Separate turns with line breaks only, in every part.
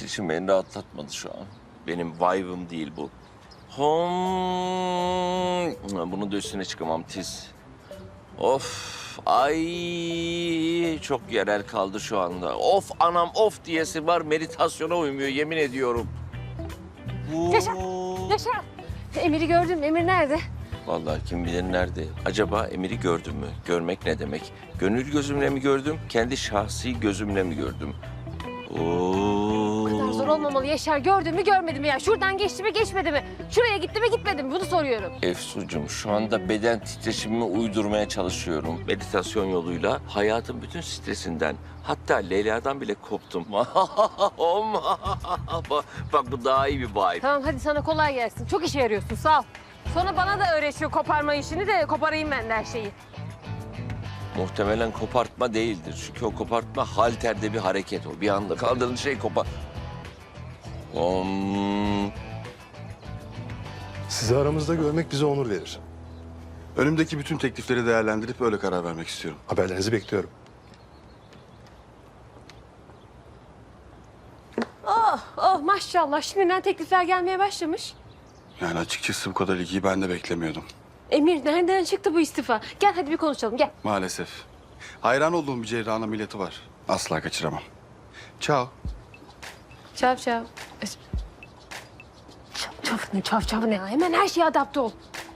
titreşim beni rahatlatmadı şu an. Benim vibe'ım değil bu. Bunu da üstüne çıkamam tiz. Of, ay çok yerel kaldı şu anda. Of anam of diyesi var, meditasyona uymuyor yemin ediyorum.
Yaşar, Yaşar. Emir'i gördüm. Emir nerede?
Vallahi kim bilir nerede. Acaba Emir'i gördüm mü? Görmek ne demek? Gönül gözümle mi gördüm, kendi şahsi gözümle mi gördüm?
Bu kadar zor olmamalı Yaşar. Gördün mü görmedi mi ya? Şuradan geçti mi geçmedi mi? Şuraya gitti mi gitmedi mi? Bunu soruyorum.
Efsucuğum şu anda beden titreşimimi uydurmaya çalışıyorum. Meditasyon yoluyla hayatın bütün stresinden, hatta Leyla'dan bile koptum. Bak bu daha iyi bir vibe.
Tamam hadi sana kolay gelsin. Çok işe yarıyorsun sağ ol. Sonra bana da öğretiyor koparma işini de koparayım ben de her şeyi.
Muhtemelen kopartma değildir. Çünkü o kopartma halterde bir hareket o. Bir anda kaldırın şey kopar.
Sizi aramızda görmek bize onur verir.
Önümdeki bütün teklifleri değerlendirip öyle karar vermek istiyorum.
Haberlerinizi bekliyorum.
Oh maşallah şimdiden teklifler gelmeye başlamış.
Yani açıkçası bu kadar ilgiyi ben de beklemiyordum.
Emir nereden çıktı bu istifa? Gel hadi bir konuşalım gel.
Maalesef. Hayran olduğum bir cerrahın ameliyatı var. Asla kaçıramam. Ciao.
Çav çav. Çav çav ne ya? Hemen her şeye adapte ol.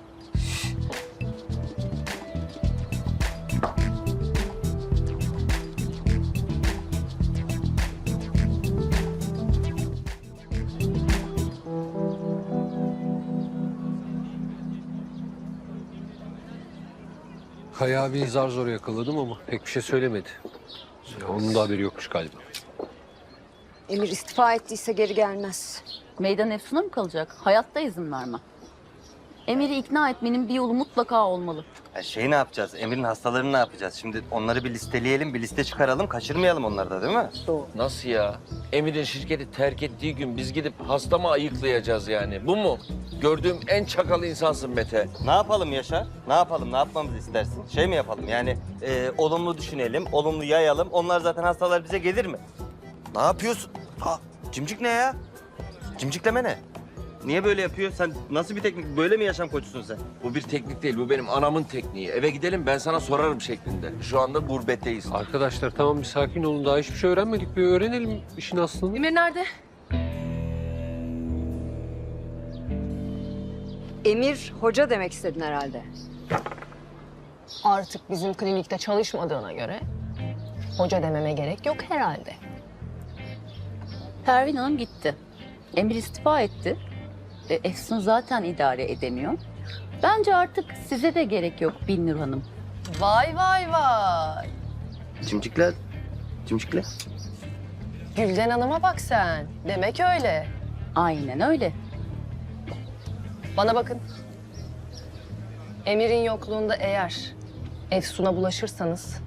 Kaya abiyi zar zor yakaladım ama pek bir şey söylemedi. Onun da haberi yokmuş galiba.
Emir istifa ettiyse geri gelmez.
Meydan Efsun'a mı kalacak? Hayatta izin vermem. Emir'i ikna etmenin bir yolu mutlaka olmalı.
Ne yapacağız? Emir'in hastalarını ne yapacağız? Şimdi onları bir listeleyelim, bir liste çıkaralım. Kaçırmayalım onları da değil mi?
Nasıl ya? Emir'in şirketi terk ettiği gün biz gidip hasta mı ayıklayacağız yani? Bu mu? Gördüğüm en çakal insansın Mete.
Ne yapalım Yaşar? Ne yapalım? Ne yapmamızı istersin? Şey mi yapalım? Yani olumlu düşünelim, olumlu yayalım. Onlar zaten hastalar bize gelir mi? Ne yapıyorsun? Cimcik ne ya? Cimcikleme ne? Niye böyle yapıyor? Sen nasıl bir teknik? Böyle mi yaşam koçusun sen?
Bu bir teknik değil, bu benim anamın tekniği. Eve gidelim ben sana sorarım şeklinde. Şu anda gurbetteyiz.
Arkadaşlar tamam bir sakin olun. Daha hiçbir şey öğrenmedik. Bir öğrenelim işin aslını.
Emir nerede?
Emir hoca demek istedin herhalde.
Artık bizim klinikte çalışmadığına göre hoca dememe gerek yok herhalde.
Pervin Hanım gitti. Emir istifa etti. Efsun zaten idare edemiyor. Bence artık size de gerek yok Binnur Hanım.
Vay vay vay.
Cimcikler. Cimcikler.
Gülden Hanım'a bak sen. Demek öyle.
Aynen öyle.
Bana bakın. Emir'in yokluğunda eğer Efsun'a bulaşırsanız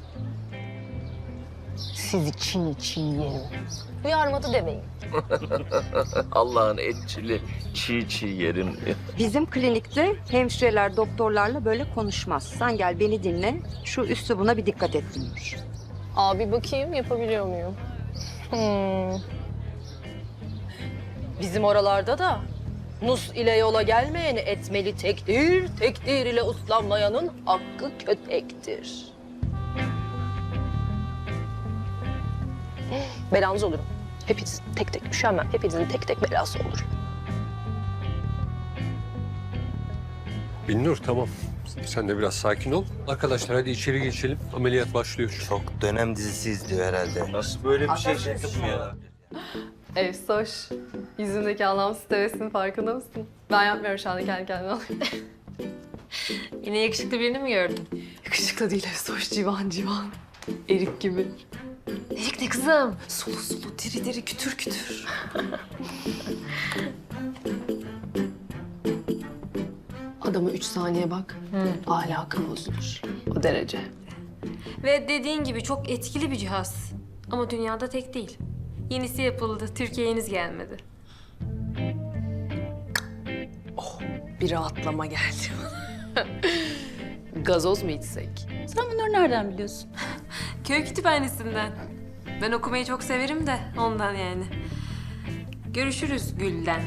sizi çiğ çiğ yerim. Uyarmadı demeyin.
Allah'ın etçili çiğ çiğ yerim.
Bizim klinikte hemşireler doktorlarla böyle konuşmaz. Sen gel beni dinle. Şu üslubuna bir dikkat et Binnur.
Abi bakayım yapabiliyor muyum? Bizim oralarda da nus ile yola gelmeyeni etmeli tekdir, tekdir ile uslanmayanın hakkı kötektir. Belanız olurum. Hepiniz tek tek üşenmem. Hepinizin tek tek belası olur.
Binnur tamam. Sen de biraz sakin ol. Arkadaşlar hadi içeri geçelim. Ameliyat başlıyor.
Çok dönem dizisi izliyor herhalde. Nasıl böyle bir şey çekti bu ya?
Efsoş, yüzündeki anlamsız tebessümün farkında mısın? Ben yapmıyorum şu anda kendi kendime.
Yine yakışıklı birini mi gördün?
Yakışıklı değil Efsoş, civan civan. Erik gibi.
Erik ne kızım?
Sulu sulu, diri diri, kütür kütür. Adama 3 saniye bak, ahlakı bozulur. O derece.
Ve dediğin gibi çok etkili bir cihaz. Ama dünyada tek değil. Yenisi yapıldı. Türkiye'ye henüz gelmedi.
Bir rahatlama geldi. Gazoz mu içsek?
Sen bunları nereden biliyorsun?
Köy kütüphanesinden. Ben okumayı çok severim de ondan yani. Görüşürüz Gülden.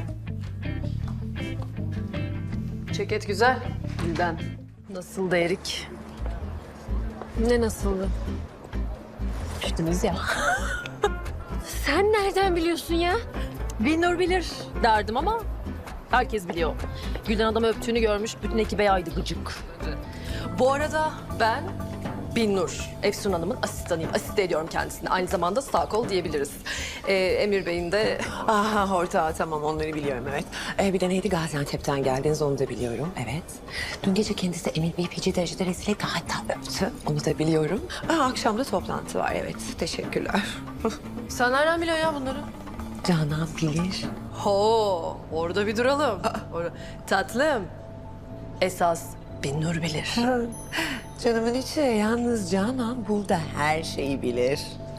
Ceket güzel. Gülden. Nasıl da erik?
Ne nasıldı?
Düştünüz ya.
Sen nereden biliyorsun ya?
Bilinur bilir derdim ama herkes biliyor. Gülden adamı öptüğünü görmüş, bütün ekibe yaydı gıcık. Bu arada ben Binnur, Efsun Hanım'ın asistanıyım. Asiste ediyorum kendisine. Aynı zamanda sağ kol diyebiliriz. Emir Bey'in de...
Aha ortağı tamam onları biliyorum evet. Bir de neydi Gaziantep'ten geldiniz onu da biliyorum evet. Dün gece kendisi Emir Bey'i feci derecede rezil etti hatta öptü onu da biliyorum. Akşam da toplantı var evet teşekkürler.
Sen nereden biliyorsun ya bunları?
Canan bilir.
Ho, orada bir duralım. Tatlım, esas Binnur bilir.
Canımın içi yalnız Canan burada her şeyi bilir.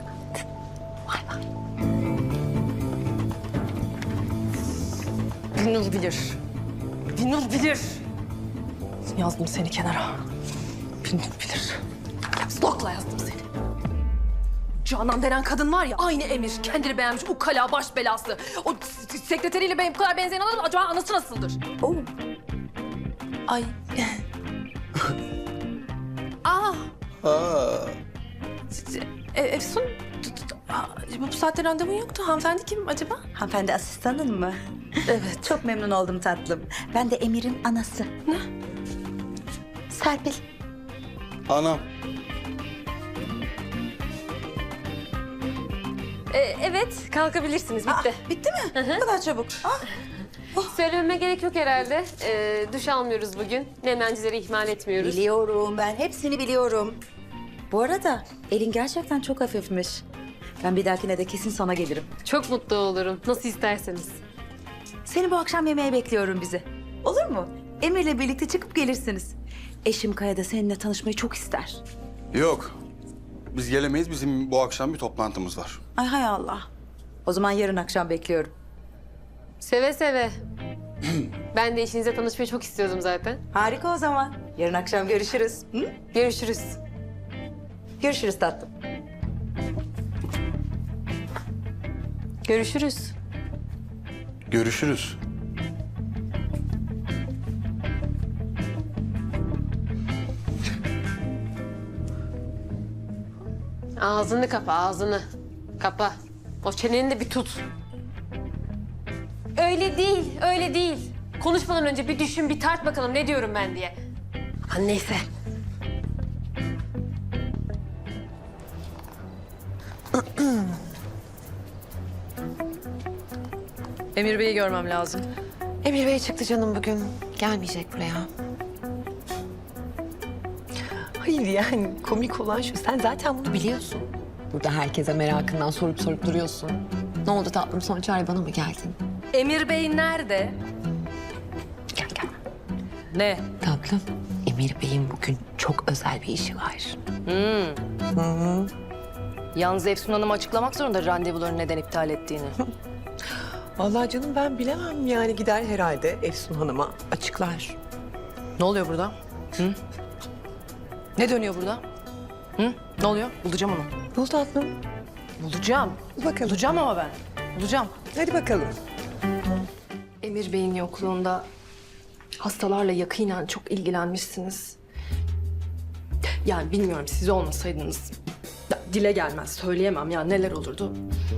Binnur bilir. Binnur bilir. Yazdım seni kenara. Binnur bilir. Stokla yazdım seni. Canan denen kadın var ya, aynı Emir. Kendini beğenmiş, ukala, baş belası. O sekreteriyle benim bu kadar benzeyen adam acaba anası nasıldır?
Oo.
Ay. Aa. Efsun, bu saatte randevun yoktu. Hanımefendi kim acaba?
Hanımefendi asistanın mı?
Evet.
Çok memnun oldum tatlım. Ben de Emir'in anası.
Ne?
Serpil.
Anam.
Evet, kalkabilirsiniz. Bitti.
Bitti mi? Ne kadar çabuk.
Söylememe gerek yok herhalde. Duş almıyoruz bugün. Nemlencileri ihmal etmiyoruz.
Biliyorum ben hepsini biliyorum. Bu arada elin gerçekten çok hafifmiş. Ben bir dahakine de kesin sana gelirim.
Çok mutlu olurum. Nasıl isterseniz.
Seni bu akşam yemeğe bekliyorum bizi. Olur mu? Emir'le birlikte çıkıp gelirsiniz. Eşim Kaya da seninle tanışmayı çok ister.
Yok. Biz gelemeyiz. Bizim bu akşam bir toplantımız var.
Ay hay Allah. O zaman yarın akşam bekliyorum.
Seve seve. Ben de eşinizle tanışmayı çok istiyordum zaten.
Harika o zaman. Yarın akşam görüşürüz. Hı?
Görüşürüz.
Görüşürüz tatlım.
Görüşürüz.
Görüşürüz.
Ağzını kapa, ağzını. Kapa. O çeneni de bir tut. Öyle değil, öyle değil. Konuşmadan önce bir düşün, bir tart bakalım ne diyorum ben diye. Aman neyse.
Emir Bey'i görmem lazım.
Emir Bey çıktı canım bugün. Gelmeyecek buraya. Hayır yani komik olan şu sen zaten bunu biliyorsun. Burada herkese merakından sorup duruyorsun. Ne oldu tatlım son çare bana mı geldin?
Emir Bey nerede?
Gel.
Ne?
Tatlım Emir Bey'in bugün çok özel bir işi var.
Yalnız Efsun Hanım açıklamak zorunda randevularını neden iptal ettiğini.
Vallahi canım ben bilemem yani gider herhalde Efsun Hanım'a açıklar.
Ne oluyor burada? Hı? Ne dönüyor burada? Hı? Ne oluyor? Bulacağım onu.
Bul tatlım.
Bulacağım.
Bakalım.
Bulacağım ama ben. Bulacağım.
Hadi bakalım.
Emir Bey'in yokluğunda hastalarla yakinen çok ilgilenmişsiniz. Yani bilmiyorum siz olmasaydınız dile gelmez söyleyemem ya neler olurdu.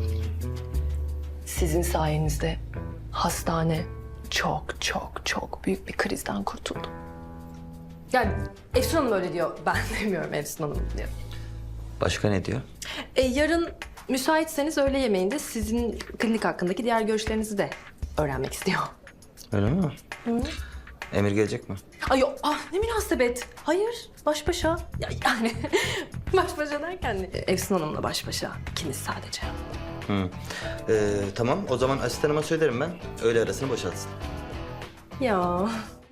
Sizin sayenizde hastane çok büyük bir krizden kurtuldu. Yani Efsun Hanım öyle diyor. Ben demiyorum Efsun Hanım diyor.
Başka ne diyor?
Yarın müsaitseniz öğle yemeğinde sizin klinik hakkındaki diğer görüşlerinizi de öğrenmek istiyor.
Öyle mi? Emir gelecek mi?
Ay yok, ne münasebet. Hayır, baş başa. Yani baş başa derken Efsun Hanım'la baş başa. İkiniz sadece.
Tamam, o zaman asistanıma söylerim ben. Öğle arasını boşaltsın.
Ya.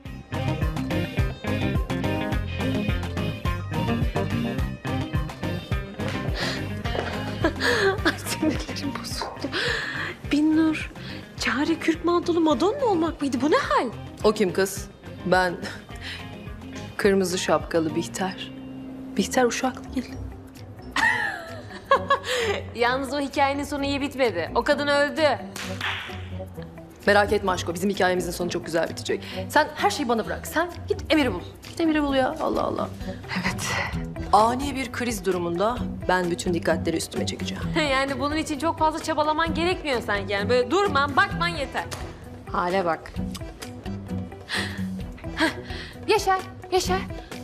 Ay sinirlerim bozuldu. Binnur, Çare Kürk mantolu Madonna olmak mıydı? Bu ne hal?
O kim kız? Ben kırmızı şapkalı Bihter. Bihter uşak değil.
Yalnız o hikayenin sonu iyi bitmedi. O kadın öldü.
Merak etme aşko, bizim hikayemizin sonu çok güzel bitecek. Sen her şeyi bana bırak. Sen git Emir'i bul. Git Emir'i bul ya. Allah Allah. Evet. Ani bir kriz durumunda ben bütün dikkatleri üstüme çekeceğim.
Yani bunun için çok fazla çabalaman gerekmiyor sanki yani. Böyle durman, bakman yeter. Hale bak. Heh, Yaşar, Yaşar.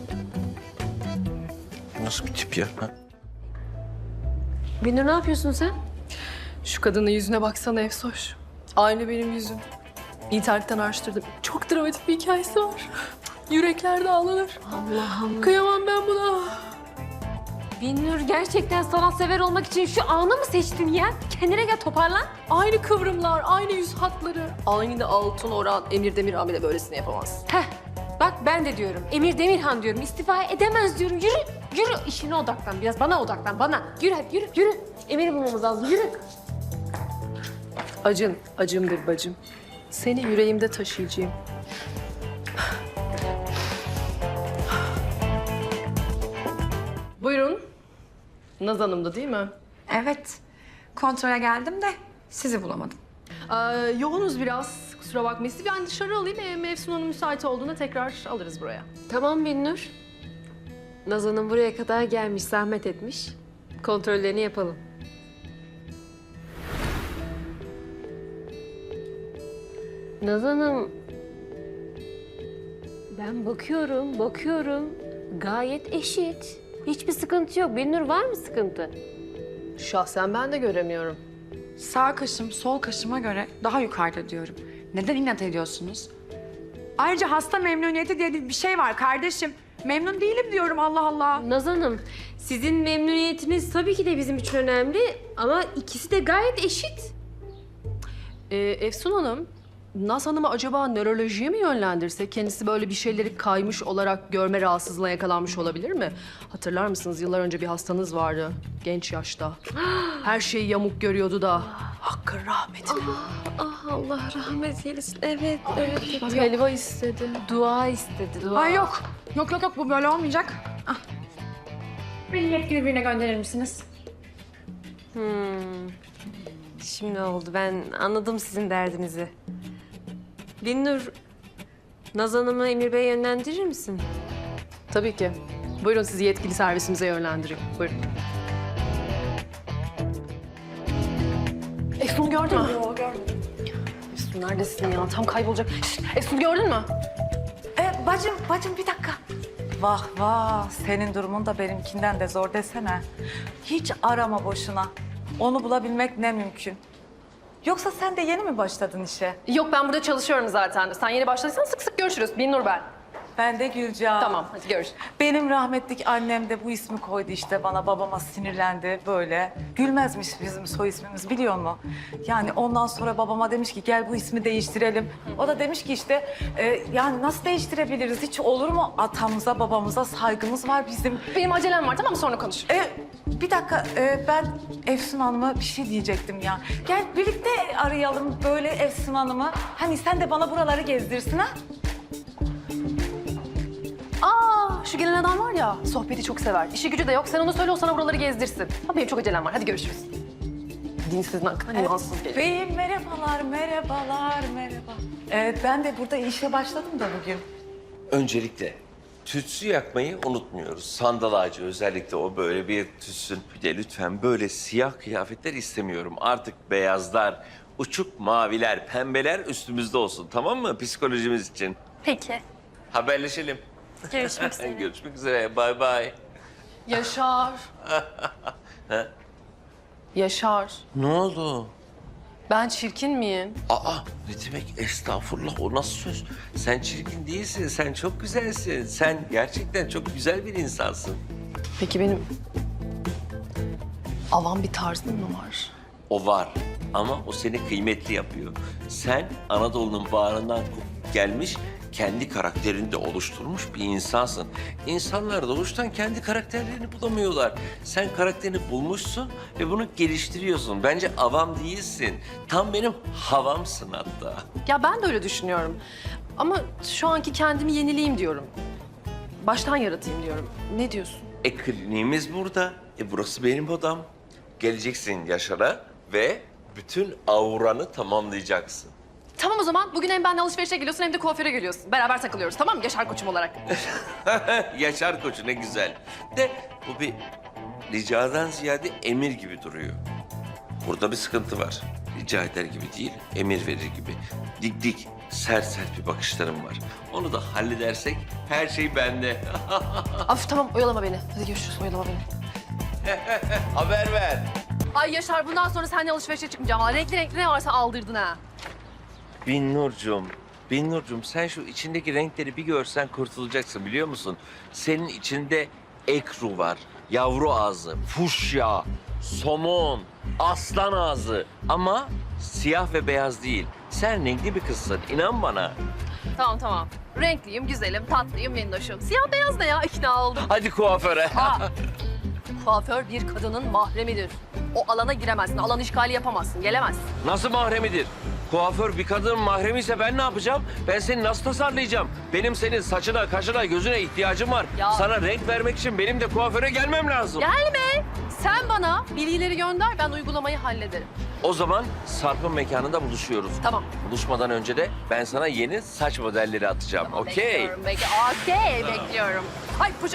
Nasıl bir tip ya? Ha?
Binur ne yapıyorsun sen?
Şu kadının yüzüne baksana Efsoş. Aynı benim yüzüm. İnternetten araştırdım. Çok dramatik bir hikayesi var. Yürekler dağlanır.
Allah'ım.
Kıyamam ben buna.
Binur gerçekten sanatsever olmak için şu anı mı seçtin ya? Kendine gel, toparlan.
Aynı kıvrımlar, aynı yüz hatları. Aynı altın oran. Emir Demirhan bile böylesini yapamaz.
Heh, bak ben de diyorum. Emir Demirhan diyorum. İstifa edemez diyorum. Yürü, yürü. İşine odaklan biraz. Bana odaklan, bana. Yürü hadi, yürü, yürü. Emir'i bulmamız lazım, yürü.
Acın, acımdır bacım. Seni yüreğimde taşıyacağım. Buyurun. Naz Hanım'dı değil mi?
Evet. Kontrole geldim de sizi bulamadım.
Yoğunuz biraz. Kusura bakmayın. Sizi ben dışarı alayım. Mevsim Hanım müsait olduğunda tekrar alırız buraya.
Tamam Binur. Nazan'ın buraya kadar gelmiş, zahmet etmiş. Kontrollerini yapalım. Nazan'ım... Ben bakıyorum. Gayet eşit. Hiçbir sıkıntı yok. Binur var mı sıkıntı?
Şahsen ben de göremiyorum.
Sağ kaşım sol kaşıma göre daha yukarıda diyorum. Neden inat ediyorsunuz? Ayrıca hasta memnuniyeti diye bir şey var kardeşim. Memnun değilim diyorum Allah Allah.
Nazan'ım, sizin memnuniyetiniz tabii ki de bizim için önemli ama ikisi de gayet eşit.
Efsun Hanım, Naz Hanım'ı acaba nörolojiye mi yönlendirse? Kendisi böyle bir şeyleri kaymış olarak görme rahatsızlığına yakalanmış olabilir mi? Hatırlar mısınız? Yıllar önce bir hastanız vardı. Genç yaşta. Her şeyi yamuk görüyordu da. Hakkın rahmetine.
Allah rahmet eylesin. Evet, evet.
Bak, helva istedi.
Dua istedi, dua.
Ay yok. Yok bu böyle olmayacak. Ah. Beni yetkili birine gönderir misiniz?
Şimdi oldu. Ben anladım sizin derdinizi. Binur, Naz Hanım'ı Emir Bey'e yönlendirir misin?
Tabii ki. Buyurun sizi yetkili servisimize yönlendireyim. Buyurun. Efsun gördün mü? Yok gördüm. Efsun neredesin ya? Tam kaybolacak. Şişt, Efsun gördün mü?
Bacım bir dakika. Vah senin durumun da benimkinden de zor desene. Hiç arama boşuna. Onu bulabilmek ne mümkün. Yoksa sen de yeni mi başladın işe?
Yok ben burada çalışıyorum zaten. Sen yeni başladıysan sık sık görüşürüz. Binnur ben.
Ben de Gülcan.
Tamam hadi görüşürüz.
Benim rahmetlik annem de bu ismi koydu işte bana. Babama sinirlendi böyle. Gülmezmiş bizim soy ismimiz biliyor musun? Yani ondan sonra babama demiş ki gel bu ismi değiştirelim. O da demiş ki işte yani nasıl değiştirebiliriz? Hiç olur mu? Atamıza babamıza saygımız var bizim.
Benim acelem var tamam mı? Sonra konuşuruz.
Bir dakika ben Efsun Hanım'a bir şey diyecektim ya. Gel birlikte arayalım böyle Efsun Hanım'ı. Hani sen de bana buraları gezdirsin ha?
Şu gelen adam var ya, sohbeti çok sever. İşi gücü de yok. Sen ona söyle, o sana buraları gezdirsin. Ha, benim çok acelem var. Hadi görüşürüz. Dinsizin hakkında imansız gelir.
Beyim merhaba. Ben de burada işe başladım da bugün.
Öncelikle tütsü yakmayı unutmuyoruz. Sandal ağacı özellikle o böyle bir tütsün. Bir de lütfen böyle siyah kıyafetler istemiyorum. Artık beyazlar, uçuk maviler, pembeler üstümüzde olsun. Tamam mı? Psikolojimiz için.
Peki.
Haberleşelim.
Görüşmek üzere.
Görüşmek üzere. Bay bay.
Yaşar. Yaşar.
Ne oldu?
Ben çirkin miyim?
Aa, ne demek estağfurullah, o nasıl söz? Sen çirkin değilsin, sen çok güzelsin. Sen gerçekten çok güzel bir insansın.
Peki benim avam bir tarzım mı var?
O var ama o seni kıymetli yapıyor. Sen Anadolu'nun bağrından kopup gelmiş, kendi karakterini de oluşturmuş bir insansın. İnsanlar doğuştan kendi karakterlerini bulamıyorlar. Sen karakterini bulmuşsun ve bunu geliştiriyorsun. Bence avam değilsin. Tam benim havamsın hatta.
Ya ben de öyle düşünüyorum. Ama şu anki kendimi yenileyim diyorum. Baştan yaratayım diyorum. Ne diyorsun?
Kliniğimiz burada. Burası benim odam. Geleceksin Yaşar'a ve bütün auranı tamamlayacaksın.
Tamam o zaman bugün hem benimle alışverişe geliyorsun hem de kuaföre geliyorsun. Beraber takılıyoruz tamam mı? Yaşar koçum olarak.
Yaşar Koçu ne güzel. De bu bir ricadan ziyade emir gibi duruyor. Burada bir sıkıntı var. Rica eder gibi değil, emir verir gibi. Dik dik, sert sert bir bakışlarım var. Onu da halledersek her şey bende.
Af tamam oyalama beni. Hadi görüşürüz oyalama beni.
Haber ver.
Ay Yaşar bundan sonra seninle alışverişe çıkmayacağım. Renkli renkli ne varsa aldırdın ha.
Binnurcuğum sen şu içindeki renkleri bir görsen kurtulacaksın biliyor musun? Senin içinde ekru var, yavru ağzı, fuşya, somon, aslan ağzı ama siyah ve beyaz değil. Sen renkli bir kızsın, inan bana.
Tamam. Renkliyim, güzelim, tatlıyım, minnoşum. Siyah beyaz ne ya? İkna oldum.
Hadi kuaföre.
Kuaför bir kadının mahremidir. O alana giremezsin, alan işgali yapamazsın, gelemezsin.
Nasıl mahremidir? Kuaför bir kadının mahremi ise ben ne yapacağım? Ben seni nasıl tasarlayacağım? Benim senin saçına, kaşına, gözüne ihtiyacım var.
Ya.
Sana renk vermek için benim de kuaföre gelmem lazım.
Gelme! Sen bana bilgileri gönder, ben uygulamayı hallederim.
O zaman Sarp'ın mekanında buluşuyoruz.
Tamam.
Buluşmadan önce de ben sana yeni saç modelleri atacağım. Okey.
Bekliyorum. Ay poşet.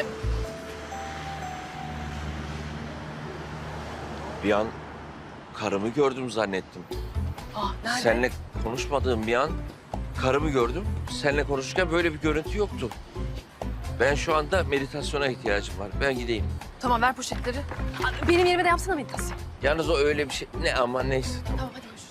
Bir an karımı gördüm zannettim.
Nerede?
Seninle konuşmadığım bir an karımı gördüm. Seninle konuşurken böyle bir görüntü yoktu. Ben şu anda meditasyona ihtiyacım var. Ben gideyim.
Tamam ver poşetleri. Benim yerime de yapsana meditasyon.
Yalnız o öyle bir şey. Ne ama neyse.
Tamam hadi görüşürüz.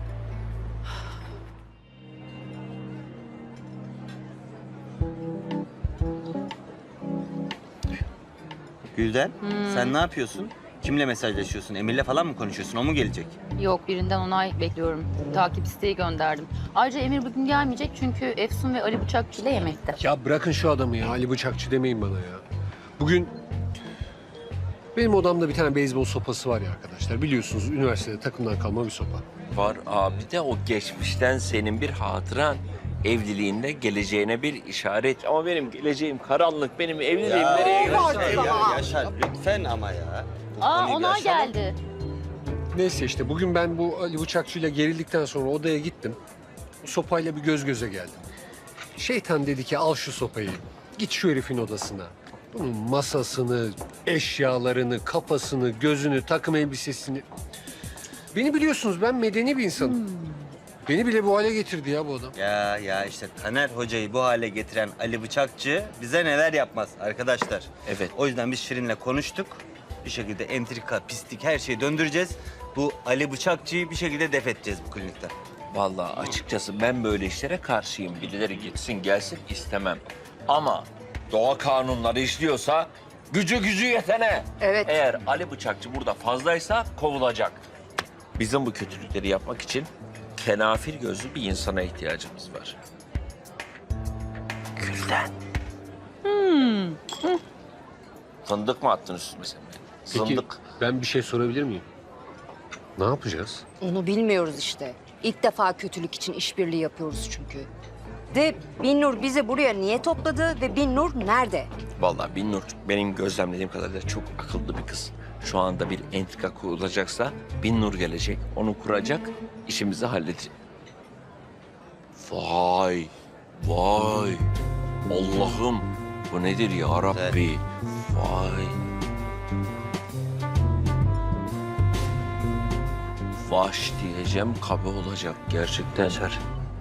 Gülden, sen ne yapıyorsun? Kimle mesajlaşıyorsun? Emir'le falan mı konuşuyorsun? O mu gelecek?
Yok, birinden onay bekliyorum. Takip isteği gönderdim. Ayrıca Emir bugün gelmeyecek çünkü Efsun ve Ali Bıçakçı ile yemekte.
Ya bırakın şu adamı ya. Ali Bıçakçı demeyin bana ya. Bugün benim odamda bir tane beyzbol sopası var ya arkadaşlar. Biliyorsunuz üniversitede takımdan kalma bir sopa.
Var abi de o geçmişten senin bir hatıran. Evliliğinde geleceğine bir işaret. Ama benim geleceğim karanlık. Benim evliliğim nereye gidiyor?
Yaşar lütfen ama ya. Bu
Aa,
konuyu bir
onay
aşalım.
geldi.
Neyse işte bugün ben bu Ali Bıçakçı'yla gerildikten sonra odaya gittim. O sopayla bir göz göze geldim. Şeytan dedi ki al şu sopayı. Git şu herifin odasına. Bunun masasını, eşyalarını, kafasını, gözünü, takım elbisesini... Beni biliyorsunuz ben medeni bir insanım. Beni bile bu hale getirdi ya bu adam.
Ya işte Taner Hoca'yı bu hale getiren Ali Bıçakçı bize neler yapmaz arkadaşlar.
Evet.
O yüzden biz Şirin'le konuştuk. Bir şekilde entrika, pislik her şeyi döndüreceğiz. Bu Ali Bıçakçı'yı bir şekilde def edeceğiz bu klinikten.
Vallahi açıkçası ben böyle işlere karşıyım. Birileri gitsin gelsin istemem. Ama doğa kanunları işliyorsa gücü yetene.
Evet.
Eğer Ali Bıçakçı burada fazlaysa kovulacak. Bizim bu kötülükleri yapmak için kenafir gözlü bir insana ihtiyacımız var. Gülden. Fındık mı attın üstüme sen?
Peki
Zındık.
ben bir şey sorabilir miyim? Ne yapacağız?
Onu bilmiyoruz işte. İlk defa kötülük için işbirliği yapıyoruz çünkü. De Binnur bizi buraya niye topladı ve Binnur nerede?
Vallahi Binnur benim gözlemlediğim kadarıyla çok akıllı bir kız. Şu anda bir entrika kurulacaksa Binnur gelecek, onu kuracak, işimizi halledecek. Vay, vay. Allah'ım bu nedir ya Rabbi? Vay. Vaş diyeceğim, kabe olacak gerçekten.
Yaşar.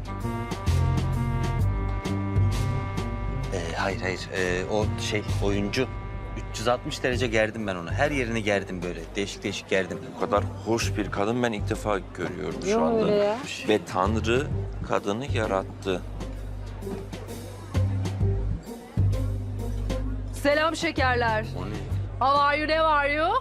Hayır. O oyuncu. 360 derece gerdim ben onu. Her yerini gerdim böyle. Değişik gerdim.
Bu kadar hoş bir kadın ben ilk defa görüyorum şu anda.
öyle ya.
Ve Tanrı kadını yarattı.
Selam şekerler. How are you, ne var you?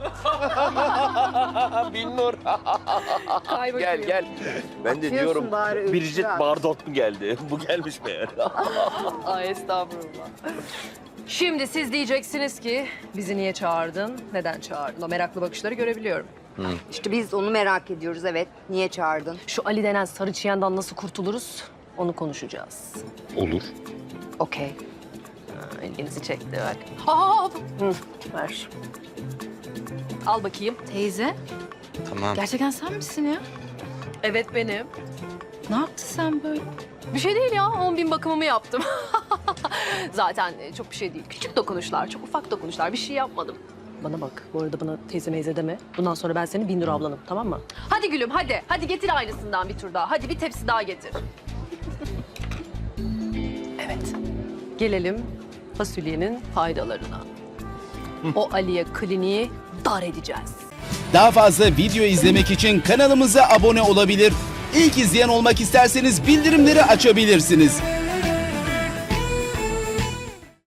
Binnur.
Ay bakayım.
Gel. Ben de diyorum
bari
Bridget
Ülker.
Bardot mu geldi? Bu gelmiş meğer.
Ay estağfurullah. Şimdi siz diyeceksiniz ki bizi niye çağırdın, neden çağırdın? O meraklı bakışları görebiliyorum.
İşte biz onu merak ediyoruz evet. Niye çağırdın?
Şu Ali denen sarı çiyandan nasıl kurtuluruz onu konuşacağız.
Olur.
Okey. İlginizi çekti bak. Hop. Ver. Al bakayım.
Teyze,
Tamam.
gerçekten sen misin ya?
Evet benim.
Ne yaptın sen böyle?
Bir şey değil ya, 10.000 bakımımı yaptım. Zaten çok bir şey değil. Küçük dokunuşlar, çok ufak dokunuşlar. Bir şey yapmadım. Bana bak, bu arada bana teyze meyze deme. Bundan sonra ben senin Binnur ablanım, tamam mı? Hadi gülüm, hadi. Hadi getir aynısından bir tur daha. Hadi bir tepsi daha getir. Evet. Gelelim fasulyenin faydalarına. O Ali'ye kliniği dar edeceğiz.
Daha fazla video izlemek için kanalımıza abone olabilir. İlk izleyen olmak isterseniz bildirimleri açabilirsiniz.